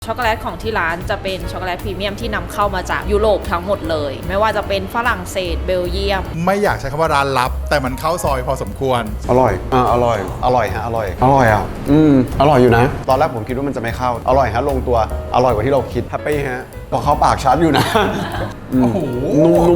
ช็อกโกแลตของที่ร้านจะเป็นช็อกโกแลตพรีเมียมที่นำเข้ามาจากยุโรปทั้งหมดเลยไม่ว่าจะเป็นฝรั่งเศสเบลเยียมไม่อยากใช้คำว่าร้านลับแต่มันเข้าซอยพอสมควรอร่อยอร่อยฮะอร่อยอร่อยอยู่นะตอนแรกผมคิดว่ามันจะไม่เข้าอร่อยฮะลงตัวอร่อยกว่าที่เราคิดแฮปปี้ฮะพอเข้าปากชัดอยู่นะโอ้โหนุ่ม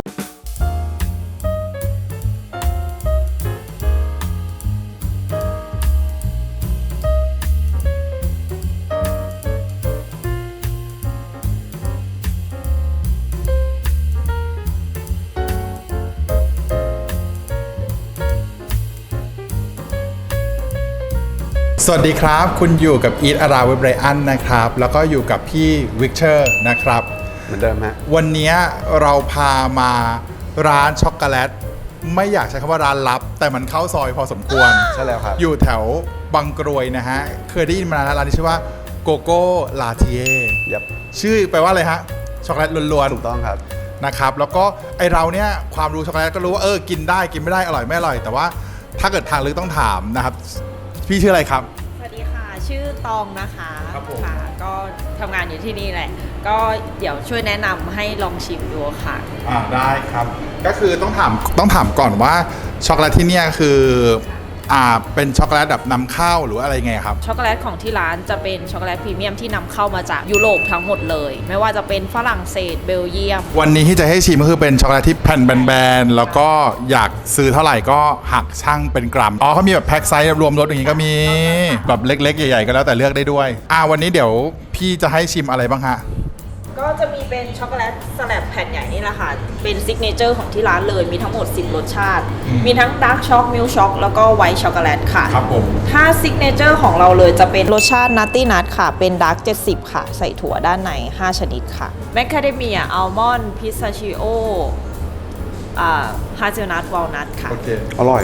สวัสดีครับคุณอยู่กับอีทอาราเวบไรอันนะครับแล้วก็อยู่กับพี่วิกเตอร์นะครับเหมือนเดิมฮะวันนี้เราพามาร้านช็อกโกแลตไม่อยากใช้คำว่าร้านลับแต่มันเข้าซอยพอสมควรใช่แล้วครับอยู่แถวบางกรวยนะฮะเคยได้ยินมานานแล้วร้านนี้ชื่อว่าโกโก้ลาเทียชื่อแปลว่าอะไรฮะช็อกโกแลตล้วนๆถูกต้องครับนะครับแล้วก็ไอเราเนี่ยความรู้ช็อกโกแลตก็รู้ว่ากินได้กินไม่ได้อร่อยไม่อร่อยแต่ว่าถ้าเกิดทางลึกต้องถามนะครับพี่ชื่ออะไรครับสวัสดีค่ะชื่อตองนะคะครับผมค่ะก็ทำงานอยู่ที่นี่แหละก็เดี๋ยวช่วยแนะนำให้ลองชิมดูค่ะได้ครับก็คือต้องถามก่อนว่าช็อกโกแลตที่เนี่ยคือเป็นช็อกโกแลตแบบนำเข้าหรืออะไรไงครับช็อกโกแลตของที่ร้านจะเป็นช็อกโกแลตพรีเมียมที่นำเข้ามาจากยุโรปทั้งหมดเลยไม่ว่าจะเป็นฝรั่งเศสเบลเยียมวันนี้ที่จะให้ชิมก็คือเป็นช็อกโกแลตที่แผ่นแบนๆแล้วก็อยากซื้อเท่าไหร่ก็หักช่างเป็นกรัมเขามีแบบแพ็คไซส์รวมรสอย่างนี้ก็มีแบบเล็กๆใหญ่ๆก็แล้วแต่เลือกได้ด้วยวันนี้เดี๋ยวพี่จะให้ชิมอะไรบ้างฮะก็จะมีเป็นช็อกโกแลตสแลบแผ่นใหญ่นี่แหละค่ะเป็นซิกเนเจอร์ของที่ร้านเลยมีทั้งหมด10รสชาติมีทั้งดาร์กช็อกมิลช็อกแล้วก็ไวท์ช็อกโกแลตค่ะครับผมถ้าซิกเนเจอร์ของเราเลยจะเป็นรสชาตินัตตี้นัทค่ะเป็นดาร์ก70ค่ะใส่ถั่วด้านใน5ชนิดค่ะแมคคาเดเมียอัลมอนด์พิสตาชิโอฮาเซลนัทวอลนัทค่ะอร่อย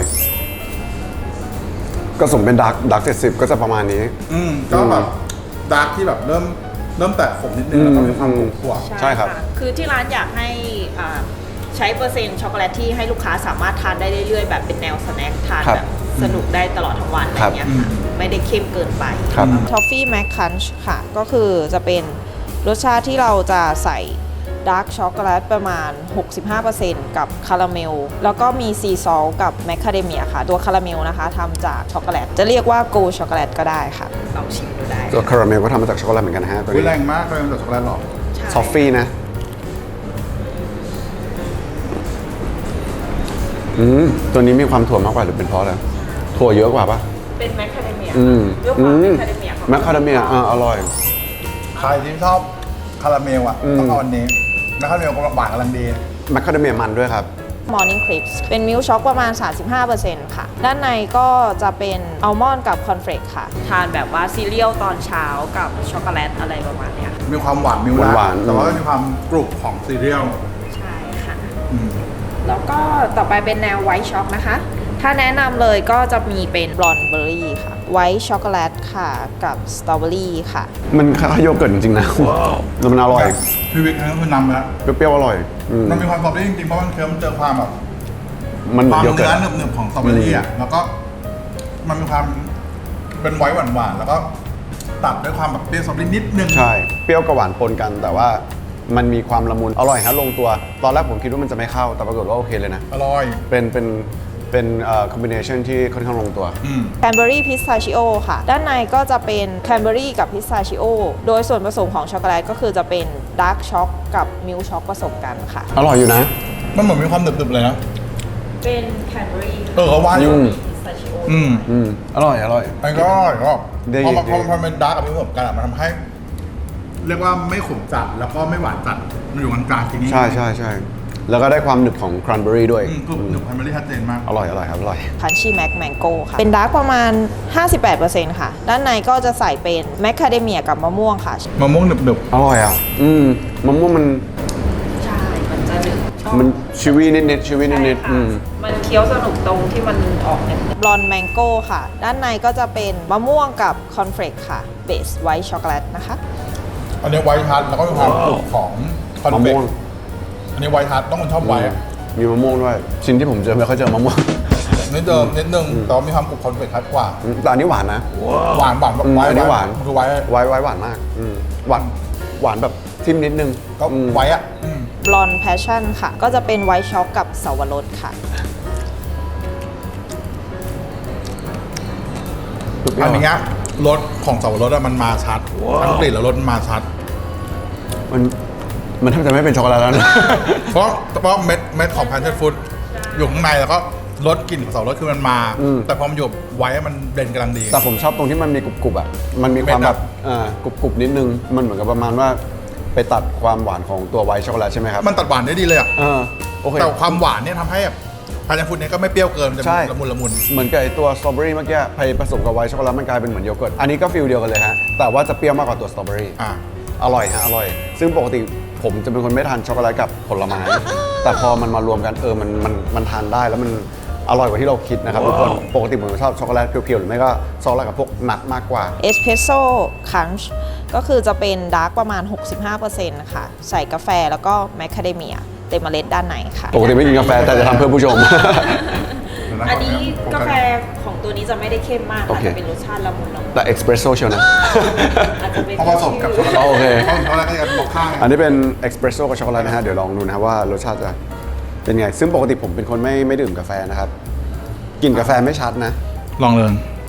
ก็สมเป็นดาร์ก70ก็จะประมาณนี้ก็แบบดาร์กที่แบบเริ่มแตะขมนิดนึงแล้วก็มีความขมใช่ครับคือที่ร้านอยากให้ใช้เปอร์เซ็นต์ช็อกโกแลตที่ให้ลูกค้าสามารถทานได้เรื่อยๆแบบเป็นแนวสแน็คทานแบบสนุกได้ตลอดทั้งวันอะไรเงี้ยค่ะไม่ได้เข้มเกินไปทอฟฟี่แมคคันช์ค่ะก็คือจะเป็นรสชาติที่เราจะใส่ดาร์กช็อกโกแลตประมาณ 65% กับคาราเมลแล้วก็มีซีซอลกับแมคคาเดเมียค่ะตัวคาราเมลนะคะทำจากช็อกโกแลตจะเรียกว่าโกช็อกโกแลตก็ได้ค่ะลองชิมดูได้ตัวคาราเมลก็ทำมาจากช็อกโกแลตเหมือนกันฮะตัวนี้แรงมากเลยจากช็อกโกแลตหรอทอฟฟี่นะตัวนี้มีความถั่วมากกว่าหรือเป็นเพราะอะไรถั่วเยอะกว่าปะเป็นแมคคาเดเมียเยอะกว่าแมคคาเดเมียแมคคาเดเมียอร่อยใครที่ชอบคาราเมลต้องเอาอันนี้แมคคาเดเมียหวานกำลังดีแมคคาเดเมียมันด้วยครับ Morning Crisps เป็นมิลค์ช็อกประมาณ 35% ค่ะด้านในก็จะเป็นอัลมอนด์กับคอนเฟลกค่ะทานแบบว่าซีเรียลตอนเช้ากับช็อกโกแลตอะไรประมาณนี้มีความหวานมิลค์แต่ว่ามีความกรุบของซีเรียลใช่ค่ะแล้วก็ต่อไปเป็นแนวไวท์ช็อกนะคะถ้าแนะนำเลยก็จะมีเป็นบลอนเบอร์รี่ค่ะไวท์ช็อกโกแลตค่ะกับสตรอเบอรี่ค่ะมันคล้ายโยเกิร์ตจริงๆนะแล้วมันอร่อยพี่วิกนั่นคือนำแล้วเปรี้ยวๆอร่อยมันมีความกรอบได้จริงๆเพราะมันเคิร์มเจอความแบบมันความเนื้อหนึบๆของสตรอเบอรี่แล้วก็มันมีความเป็นไวท์หวานๆแล้วก็ตัดด้วยความแบบเปรี้ยวสตรอเบอรี่นิดนึงใช่เปรี้ยวกับหวานปนกันแต่ว่ามันมีความละมุนอร่อยฮะลงตัวตอนแรกผมคิดว่ามันจะไม่เข้าแต่ปรากฏว่าโอเคเลยนะอร่อยเป็นคอมบิเนชันที่ค่อนข้างลงตัวแคนเบอรี่พิสตาชิโอค่ะด้านในก็จะเป็นแคนเบอรี่กับพิสตาชิโอโดยส่วนผสมของช็อกโกแลตก็คือจะเป็นดาร์กช็อกกับมิลค์ช็อกผสมกันค่ะอร่อยอยู่นะมันเหมือนมีความหนึบๆเลยนะเป็นแคนเบอรี่เขาว่าอยู่พิสตาชิโออร่อยไอ้ก็อร่อยก็พอมันเป็นดาร์กกับมิลค์ผสมกันมันทำให้เรียกว่าไม่ขมจัดแล้วก็ไม่หวานจัดมันอยู่กลางๆทีนี้ใช่แล้วก็ได้ความหนึบของครันเบอรี่ด้วยหนึบครันเบอรี่ชัดเจนมากอร่อยครับอร่อยคันชี่แมงโก้ค่ะเป็นดาร์กประมาณ 58% ค่ะด้านในก็จะใส่เป็นแมคคาเดเมียกับมะม่วงค่ะมะม่วงหนึบอร่อยมะม่วงมันใช่มันจะหนึบมันชีวีนิดมันเคี้ยวสนุกตรงที่มันออกเนี่ยบลอนแมงโก้ค่ะด้านในก็จะเป็นมะม่วงกับคอนเฟลกค่ะเบสไวท์ช็อกโกแลตนะคะอันนี้ไวท์ทัชแล้วก็มีความกรุบของคอนเฟลกอันนี้ไวท์ทัชต้องคนชอบไวท์มีมะม่วงด้วยชิ้นที่ผมเจอไม่ค่อยเจอมะม่วงนิดนึงแต่มีความกรุบคอนเฟลกชัดกว่าแต่อันนี้หวานนะหวานอันนี้หวานคือไวท์หวานมากหวานหวานแบบทิมนิดนึงก็ไว้อะบลอนแพชชั่นค่ะ ก็จะเป็นไวท์ช็อกกับเสาวรสค่ะอันนี้รสของสับปะรดมันมาชัดทั้งกลิ่นแล้วรสมันมาชัดมันแทบจะไม่เป็นช็อกโกแลตแล้วนะเพราะเม็ดของ passion fruit อยู่ข้างในแล้วก็รสกลิ่นของสับปะรดคือมันมา แต่พอมันอยู่ไว้มันเบลนด์กำลังดีแต่ผมชอบตรงที่มันมีกรุบๆอ่ะ มันมีความแบบกรุบๆนิดนึง มันเหมือนกับประมาณว่าไปตัดความหวานของตัวไวท์ช็อกโกแลตใช่ไหมครับมันตัดหวานได้ดีเลยอ่ะโอเคแต่ความหวานเนี่ยทำให้แบบ passion fruit เนี่ยก็ไม่เปรี้ยวเกินมันจะใช่ละมุนละมุนเหมือนกับไอตัวสตรอเบอรี่เมื่อกี้ไปผสมกับไวท์ช็อกโกแลตมันกลายเป็นเหมือนโยเกิร์ต อันนี้ก็ฟีลเดียวกันเลยฮะ แต่ว่าจะเปรี้ยวมากกว่าตัวสตรอเบอรี่ อร่อยฮะ อร่อย ซึ่งปกติผมจะเป็นคนไม่ทานช็อกโกแลตกับผลไม้ แต่พอมันมารวมกันมันทานได้แล้วมันอร่อยกว่าที่เราคิดนะครับทุกคน ปกติผมชอบช็อกโกแลตเพียวๆหรือไม่ก็ช็อกโกแลตกับพวกนัทมากกว่าเอสเพรสโซ่คันช์ก็คือจะเป็นดาร์กประมาณ 65%ค่ะ ใส่กาแฟแล้วก็แมคคาเดเมียเต็มเมล็ดด้านในค่ะปกติไม่กินกาแฟแต่จะทำเพื่อผู้ชมอันนี้กาแฟของตัวนี้จะไม่ได้เข้มมากโอค่ะเคจะเป็นรสชาติละมุนละมุนแต่เอ็กซ์เพรสโซ่เชียวนะอาจจะเป็นพอผสมกับช็อกโกแลตโอเคช็อกโกแลตก็จะบอกข้างอันนี้เป็นเอ็กซ์เพรสโซ่กับช็อกโกแลตนะฮะ เดี๋ยวลองดูนะว่ารสชาติจะเป็นไง ซึ่งปกติผมเป็นคนไม่ดื่มกาแฟนะครับ กลิ่นกาแฟไม่ชัดนะลองเลย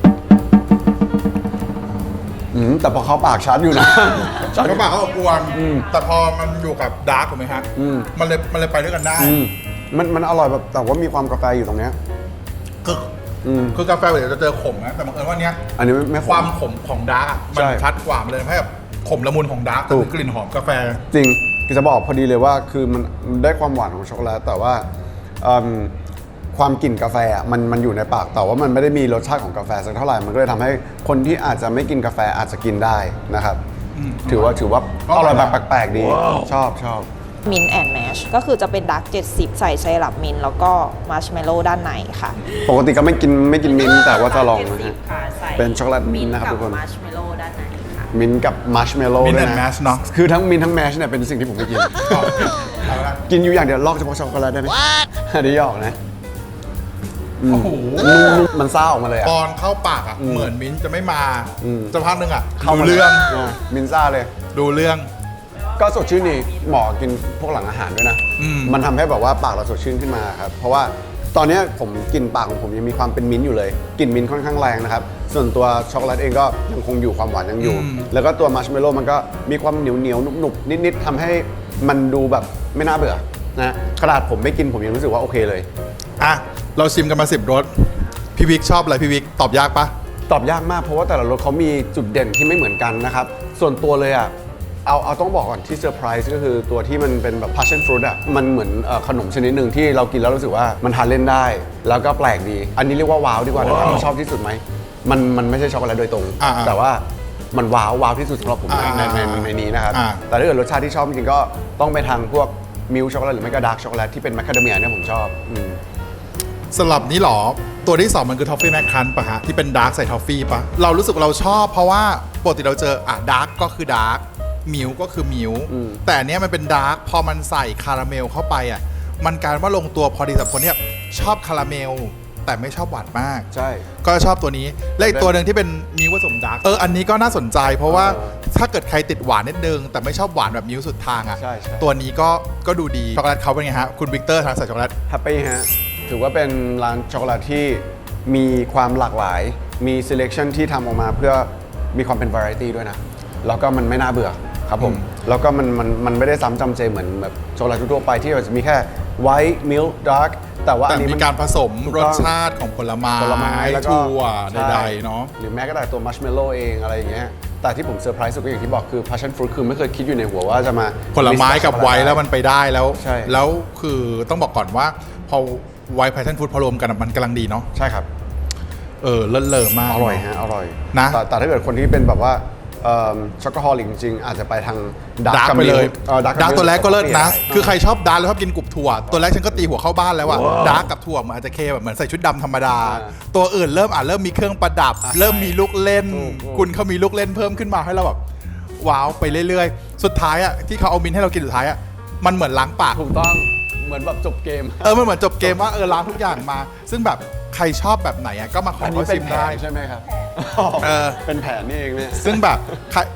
แต่พอเข้าปากชัดอยู่นะก็ปากเขาอบอวนแต่พอมันอยู่กับดาร์กถูกไหมครับมันเลยไปด้วยกันได้มันอร่อยแบบแต่ว่ามีความกาแฟอยู่ตรงเนี้ยคือกาแฟเดี๋ยวจะเจอขมนะแต่บังเอิญว่าเนี้ยอันนี้ไม่ความขมของดาร์กมันใช่ชัดกว่ามันเลยทำให้แบบขมละมุนของดาร์กถูกกลิ่นหอมกาแฟจริงคือจะบอกพอดีเลยว่าคือมันได้ความหวานของช็อกโกแลตแต่ว่าความกลิ่นกาแฟอ่ะมันอยู่ในปากแต่ว่ามันไม่ได้มีรสชาติของกาแฟสักเท่าไหร่มันก็เลยทำให้คนที่อาจจะไม่กินกาแฟอาจจะกินได้นะครับถือว่าอร่อยแบบแปลกๆดีชอบมินแอนด์แมชก็คือจะเป็นดาร์ก70 ใส่ไซรัปมินแล้วก็มาร์ชเมลโล่ด้านในค่ะปกติก็ไม่กินมิ้นท์แต่ว่าจะลองนะฮะ 70ค่ะใส่เป็นช็อกโกแลตมิ้นท์นะครับทุกคนมาร์ชเมลโล่ด้านในค่ะมิ้นท์กับมัชเมลโล่ Mint ด้วย and นะ Mash เนอะคือทั้งมิ้นท์ทั้งแมชเนี่ยเป็นสิ่งที่ผมไม่กินเอาละกินอยู่อย่างเดียวลอกเฉพาะช็อกโกแลตได้ไหมอันนี้หยอกนะโอ้โหมันซ่าออกมาเลยอ่ะตอนเข้าปากอ่ะเหมือนมิ้นท์จะไม่มาจะพักหนึงอ่ะเข้าดูมาเรื่องมิ้นท์ซ่าเลยดูเรื่องก็สดชื่นนี่เหมาะกินพวกหลังอาหารด้วยนะ มันทำให้แบบว่าปากเราสดชื่นขึ้นมาครับ เพราะว่าตอนนี้ผมกินปากของผมยังมีความเป็นมิ้นท์อยู่เลยกลิ่นมิ้นท์ค่อนข้างแรงนะครับ ส่วนตัวช็อกโกแลตเองก็ยังคงอยู่ความหวานยังอยู่ แล้วก็ตัวมัชเมลโล่มันก็มีความเหนียวๆหนุบๆนิดๆทำให้มันดูแบบไม่น่าเบื่อนะขนาดผมไม่กินผมยังรู้สึกว่าโอเคเลยอ่ะเราชิมกันมา10 รสพี่วิกชอบอะไรพี่วิกตอบยากปะตอบยากมากเพราะว่าแต่ละรสเขามีจุดเด่นที่ไม่เหมือนกันนะครับ ส่วนตัวเลยอ่ะเอาต้องบอกก่อนที่เซอร์ไพรส์ก็คือตัวที่มันเป็นแบบ passion fruit อ่ะมันเหมือนขนมชนิดหนึ่งที่เรากินแล้วรู้สึกว่ามันทานเล่นได้ แล้วก็แปลกดี อันนี้เรียกว่าว้าวดีกว่านะครับชอบที่สุดไหมมันไม่ใช่ช็อกโกแลตโดยตรง แต่ว่ามันว้าวที่สุดสำหรับผมในนี้นะครับแต่ถ้าเกิดรสชาติที่ชอบจริงๆก็ต้องไปทางพวกมิลช็อกโกแลตหรือไม่ก็ดาร์กช็อกโกแลตที่เป็นแมคคาเดเมียเนี่ยผมชอบสลับนี้หรอตัวที่ 2 มันคือทอฟฟี่แมคคันปะฮะที่เป็นดาร์กใส่ทอฟฟี่ปะเรารู้สึกว่าเราชอบเพราะว่าปกติเราเจอดาร์กก็คือดาร์กมิลก็คือมิลแต่อันเนี้ยมันเป็นดาร์กพอมันใส่คาราเมลเข้าไปอ่ะมันกลายว่าลงตัวพอดีสำหรับคนที่ชอบคาราเมลแต่ไม่ชอบหวานมากใช่ก็ชอบตัวนี้และอีกตัวหนึ่งที่เป็นมิลผสมดาร์กอันนี้ก็น่าสนใจเพราะว่าถ้าเกิดใครติดหวานนิดนึงแต่ไม่ชอบหวานแบบมิลสุดทางอ่ะใช่ตัวนี้ก็ดูดีช็อกโกแลตเขาเป็นไงฮะคุณวิกเตอร์ทางใส่ช็อกโกแลตแฮปปี้ฮะถือว่าเป็นร้านช็อกโกแลตที่มีความหลากหลาย มี selection ที่ทำออกมาเพื่อมีความเป็น variety ด้วยนะ แล้วก็มันไม่น่าเบื่อครับผม แล้วก็มันไม่ได้ซ้ำจำเจเหมือนแบบช็อกโกแลตทั่วไปที่จะมีแค่ white milk dark แต่ว่าอันนี้มีการผสมถูกรต้สองชาติของผลไม้แล้วก็ถั่วใช่ใดๆเนาะหรือแม้กระทั่งตัวมัชเมลโล่เองอะไรอย่างเงี้ยแต่ที่ผมเซอร์ไพรส์สุดก็อย่างที่บอกคือ passion fruit คือไม่เคยคิดอยู่ในหัวว่าจะมาผลไม้กับไวน์แล้วมันไปได้แล้วใช่แล้วคือต้องบอกก่อนว่าพอไวน์ไพทันฟูดพอรวมกันมันกำลังดีเนาะใช่ครับเลิศเลอมากอร่อยฮะอร่อยนะแต่ถ้าเกิดคนที่เป็นแบบว่าช็อกโกฮอลิกจริงๆ อาจจะไปทางดาร์กไปเลยดาร์กดาร์กตัวแรกก็เลิศนะได้คือใครชอบดาร์กแล้วชอบกินกรุบถั่ว ตัวแรกฉันก็ตีหัวเข้าบ้านแล้วอะดาร์กกับถั่วมันอาจจะเคแบบเหมือนใส่ชุดดำธรรมดา ตัวอื่นเริ่มมีเครื่องประดับ เริ่มมีลูกเล่น คุณเขามีลูกเล่นเพิ่มขึ้นมาให้เราแบบว้าวไปเรื่อยๆ สุดท้ายอะที่เขาเอามินท์ให้เรากินสุดท้ายอะมันเหมือนล้างปากถูกต้องเหมือนแบบจบเกมมันเหมือนจบเกมว่าล้างทุกอย่างมา ซึ่งแบบใครชอบแบบไหนอะก็มาขออันนี้เขาเป็ชินมแผได้นใช่ไหมครับเออเป็นแผนนี่เองเนี่ยซึ่งแบบใคร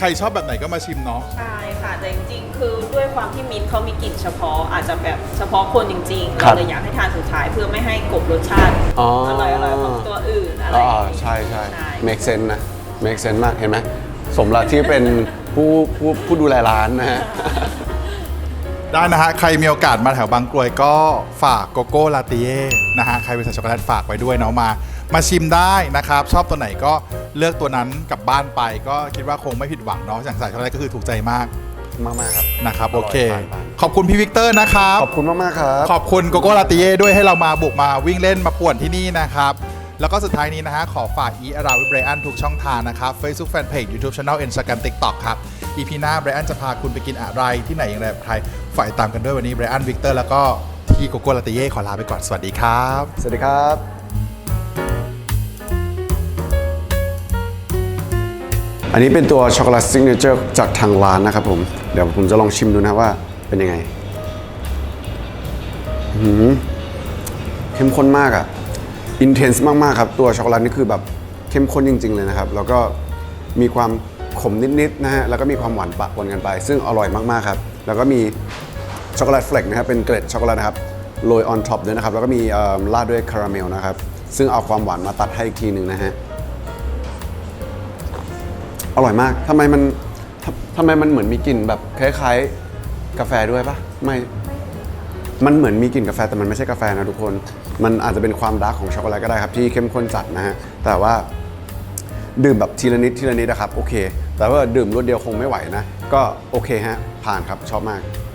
รชอบแบบไหนก็มาชิมเนาะใช่ค่ะ แต่จริงๆ คือด้วยความที่มิ้นท์เขามีกลิ่นเฉพาะอาจจะแบบเฉพาะคนจริงๆครัเราบเลยอยากให้ทานสุดท้ายเพื่อไม่ให้กลบรสชาติอ๋ออร่อยๆของตัวอื่นอะไรอ๋ออย่างงี้ใช่ใช่ใช่ make sense นะ make sense มากเห็นไหมสมแล้วที่เป็นผู้ดูแลร้านนะฮะได้นะฮะ ใครมีโอกาสมาแถวบางกรวยก็ฝากโกโก้ลาเต้นะฮะ ใครเป็นสายช็อกโกแลตฝากไว้ด้วยเนาะมาชิมได้นะครับ ชอบตัวไหนก็เลือกตัวนั้นกลับบ้านไป ก็คิดว่าคงไม่ผิดหวังเนาะอย่างสายช็อกโกแลตก็คือถูกใจมากมากๆครับนะครับอร่โออยเคทานไปขอบคุณพี่วิกเตอร์นะครับขอบคุณมากๆครับขอบคุณโกโก้ลาเต้ด้วยให้เรามาบุกมาวิ่งเล่นมาป่วนที่นี่นะครับ แล้วก็สุดท้ายนี้นะฮะ ขอฝาก Eat Around with Brian ทุกช่องทางนะครับ Facebook Fanpage YouTube Channel Instagram TikTok ครับ EP หน้า Brian จะพาคุณไปกินอะไรที่ไหนอย่างไรแบบใครฝ่ายตามกันด้วยวันนี้ Brian Victor แล้วก็ที่โกโก้ลาเต้ขอลาไปก่อนสวัสดีครับสวัสดีครับ อันนี้เป็นตัวช็อกโกแลตซิกเนเจอร์จากทางร้านนะครับผม เดี๋ยวผมจะลองชิมดูนะว่าเป็นยังไงเข้มข้นมากอะอินเทนส์มากๆครับ ตัวช็อกโกแลตนี่คือแบบเข้มข้นจริงๆเลยนะครับ แล้วก็มีความขมนิดๆนะฮะ แล้วก็มีความหวานปะปนกันไป ซึ่งอร่อยมากๆครับ แล้วก็มีช็อกโกแลตเฟลกนะครับ เป็นเกล็ดช็อกโกแลตนะครับ โรยออนท็อปด้วยนะครับ แล้วก็มีราดด้วยคาราเมลนะครับ ซึ่งเอาความหวานมาตัดให้อีกทีหนึ่งนะฮะ อร่อยมาก ทำไมมันเหมือนมีกลิ่นแบบคล้ายๆกาแฟด้วยปะไม่ มันเหมือนมีกลิ่นกาแฟแต่มันไม่ใช่กาแฟนะทุกคน มันอาจจะเป็นความดาร์กของช็อกโกแลตก็ได้ครับที่เข้มข้นจัดนะฮะ แต่ว่าดื่มแบบทีละนิดทีละนิดนะครับโอเค แต่ว่าดื่มรวดเดียวคงไม่ไหวนะ ก็โอเคฮะ ผ่านครับชอบมาก